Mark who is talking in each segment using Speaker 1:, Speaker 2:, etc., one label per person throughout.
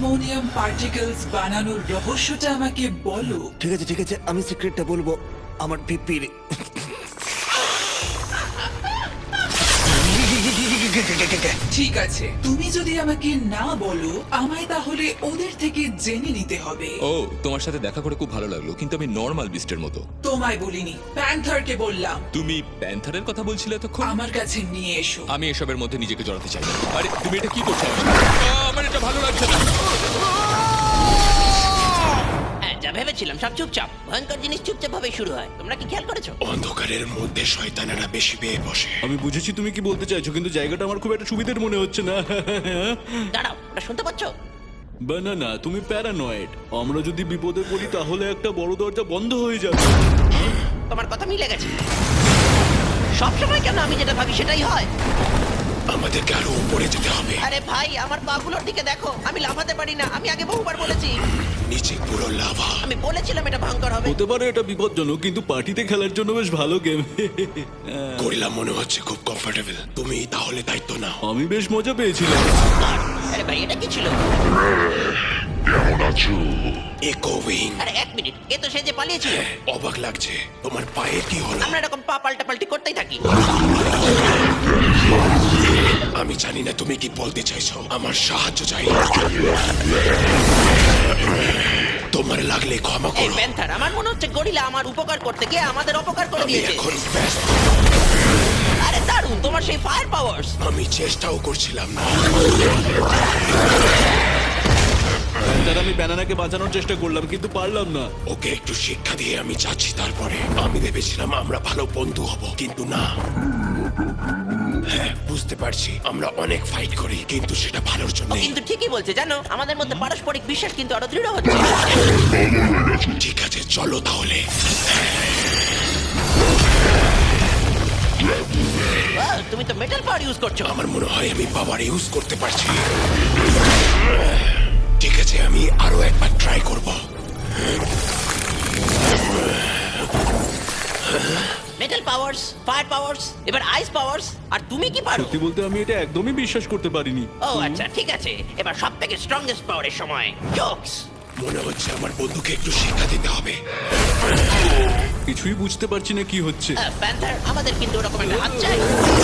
Speaker 1: Ammonium particles বানানোর রহস্যটা আমাকে বলো।
Speaker 2: ঠিক আছে আমি সিক্রেটটা বলবো। আমার পিপির
Speaker 1: ঠিক আছে, তুমি যদি আমাকে না বলো, আমায় তাহলে ওদের থেকে জেনে নিতে হবে।
Speaker 3: ও, তোমার সাথে দেখা করে খুব ভালো লাগলো, কিন্তু আমি নর্মাল বিস্টের মতো।
Speaker 1: তোমায় বলিনি, প্যান্থারকে বললাম।
Speaker 3: তুমি প্যান্থারের কথা বলছিলে এতক্ষণ?
Speaker 1: আমার কাছে নিয়ে এসো।
Speaker 3: আমি এসবের মধ্যে নিজেকে জড়াতে চাই না। আরে তুমি এটা কি করছো? আমার এটা ভালো লাগছে না।
Speaker 4: হ্যাঁ, যা ভেবেছিলাম সব চুপচাপ। ভয়ঙ্কর জিনিস চুপচাপ ভাবে শুরু হয়। তোমরা কি খেয়াল করেছো?
Speaker 5: অন্ধকারের মধ্যে শয়তানেরা বেশি পেয়ে বসে।
Speaker 6: আমি বুঝেছি তুমি কি বলতে চাইছো, কিন্তু জায়গাটা আমার খুব একটা সুবিধার মনে হচ্ছে না।
Speaker 4: দাঁড়াও, ওটা শুনতে পাচ্ছো?
Speaker 6: বানানা, তুমি প্যারানয়েড। আমরা যদি বিপদে পড়ি তাহলে একটা বড় দরজা বন্ধ হয়ে যাবে।
Speaker 4: তোমার কথা মিলে গেছে। সবসময় কেন আমি যেটা ভাবি সেটাই হয়?
Speaker 5: আমাদেরকে আরো উপরে যেতে হবে।
Speaker 4: আরে ভাই, আমার পাগুলোর দিকে দেখো। আমি লাফাতে পারি না। আমি আগে বহুবার বলেছি।
Speaker 5: নিচে পুরো লাভা।
Speaker 4: আমি বলেছিলাম এটা ভয়ঙ্কর হবে।
Speaker 6: হতে পারে এটা বিপজ্জনক, কিন্তু পার্টিতে খেলার জন্য বেশ ভালো গেম।
Speaker 5: গরিলা মনে হচ্ছে খুব কমফোর্টেবল। তুমি তাহলে দায়িত্ব নাও।
Speaker 6: আমি বেশ মজা পেয়েছিলাম।
Speaker 4: আরে ভাই, এটা কি ছিল?
Speaker 5: ইকোউইং।
Speaker 4: আরে এক মিনিট, এ তো সে যে পালিয়েছিল।
Speaker 5: অবাক লাগছে। তোমার পায়ে কি হলো?
Speaker 4: আমরা এরকম পা পাল্টাপাল্টি করতেই থাকি।
Speaker 5: আমি জানি না তুমি কি বলতে চাইছো। আমার সাহায্য চাই। তোমার লাগলে ক্ষমা
Speaker 4: এই
Speaker 5: করো।
Speaker 4: প্যান্থার, আমার মনে হচ্ছে গরিলা আমার উপকার করতে গিয়ে আমাদের অপকার করে
Speaker 5: আমি
Speaker 4: দিয়েছে।
Speaker 5: এখন ব্যস্ত।
Speaker 4: আরে দারুণ, তোমার সেই ফায়ার পাওয়ার্স।
Speaker 5: আমি চেষ্টাও করছিলাম না।
Speaker 6: তার আমি ব্যানানাকে বাঁচানোর চেষ্টা করলাম, কিন্তু পারলাম না।
Speaker 5: ওকে একটু শিক্ষা দিয়ে আমি যাচ্ছি। তারপরে আমি ভেবেছিলাম আমরা ভালো বন্ধু হব, কিন্তু না। হ্যাঁ, বুঝতে পারছি আমরা অনেক ফাইট করি, কিন্তু সেটা ভালোর জন্য।
Speaker 4: কিন্তু ঠিকই বলছে, জানো, আমাদের মধ্যে পারস্পরিক বিশ্বাস কিন্তু আরো দৃঢ় হচ্ছে।
Speaker 5: ঠিক আছে, চলো তাহলে।
Speaker 4: বাহ, তুমি তো মেটাল পাওয়ার ইউজ করছো।
Speaker 5: আমার মনে হয় আমি পাওয়ার ইউজ করতে পারছি। ঠিক আছে, আমি আরো একবার ট্রাই করব।
Speaker 4: মেটাল পাওয়ার্স, ফায়ার পাওয়ার্স, এবার আইস পাওয়ার্স, আর তুমি কি পারো?
Speaker 6: সত্যি বলতে আমি এটা একদমই বিশ্বাস করতে পারিনি।
Speaker 4: ও আচ্ছা, ঠিক আছে। এবার সব থেকে স্ট্রংগেস্ট পাওয়ারের সময়, জোকস।
Speaker 5: মনে হচ্ছে আমার বন্ধুকে একটু শিক্ষা দিতে হবে।
Speaker 6: কিছুই বুঝতে পারছি না কি হচ্ছে।
Speaker 4: প্যান্থার, আমাদের কিন্তু ওরকম একটা হাত চাই।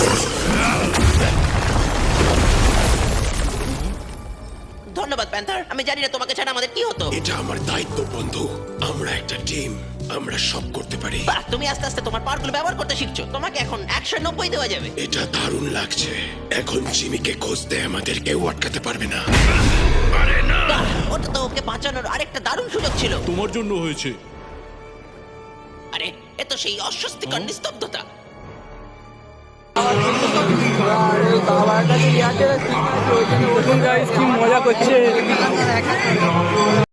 Speaker 4: ধন্যবাদ প্যান্থার। আমি জানি না তোমাকে ছাড়া আমাদের কি হতো।
Speaker 5: এটা আমার দায়িত্ব বন্ধু। আমরা একটা টিম, আমরা সব করতে পারি।
Speaker 4: বাহ, তুমি আস্তে আস্তে তোমার পাওয়ারগুলো ব্যবহার করতে শিখছো। তোমাকে এখন 190 দেওয়া যাবে।
Speaker 5: এটা দারুণ লাগছে। এখন জিমিকে খুঁজতে আমাদের কেউ আটকাতে পারবে না।
Speaker 4: বাহ, ওটা তো ওকে বাঁচানোর আরেকটা দারুণ সুযোগ ছিল।
Speaker 6: তোমার জন্য হয়েছে।
Speaker 4: আরে, এ তো সেই অস্বস্তিকর নিস্তব্ধতা।
Speaker 7: বাবার কাছে ইয়ারটেল সিম আছে, ওই জন্য ওষুধ গাইস কি মজা করছে।